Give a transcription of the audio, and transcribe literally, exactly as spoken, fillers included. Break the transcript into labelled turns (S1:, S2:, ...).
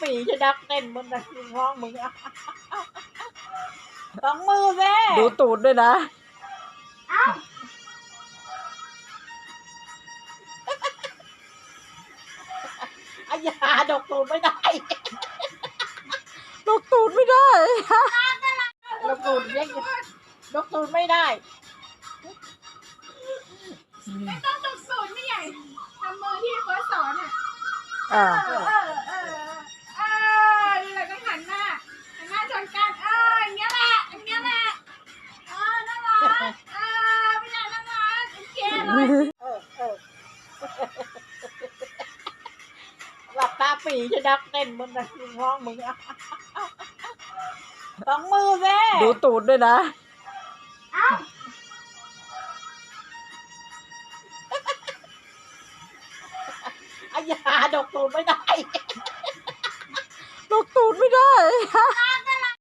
S1: ปีจะดักเต้นบนนั้นร้องมึงอะสองมือแม่
S2: ดูตูดด้วยนะ
S1: อายาดกตูดไม่ได้
S2: ดกตูดไม่ได้
S1: ดกตูดเล็กดกตูดไม่ได้
S3: ไม่ต้องดกตูดไม่ใหญ่ทำมือที่เฟิร์สสอนอ่ะ
S2: อ่า
S3: เออเออเออเออนี่แหละต้องหันหน้าหันหน้าชนกันเอออย่างเงี้ยแหละอย่างเงี้ยแหละเออน่ารักเออไม่ใช่น่ารักโอเคเลย
S1: เออเออหลับตาปีจะดักเต้นบนนั้นร้องมึงอะสองมือแม่
S2: ดูตูดด้วยนะ
S1: อายาดกตูดไม่ได้
S2: ดกตูดไม่ได้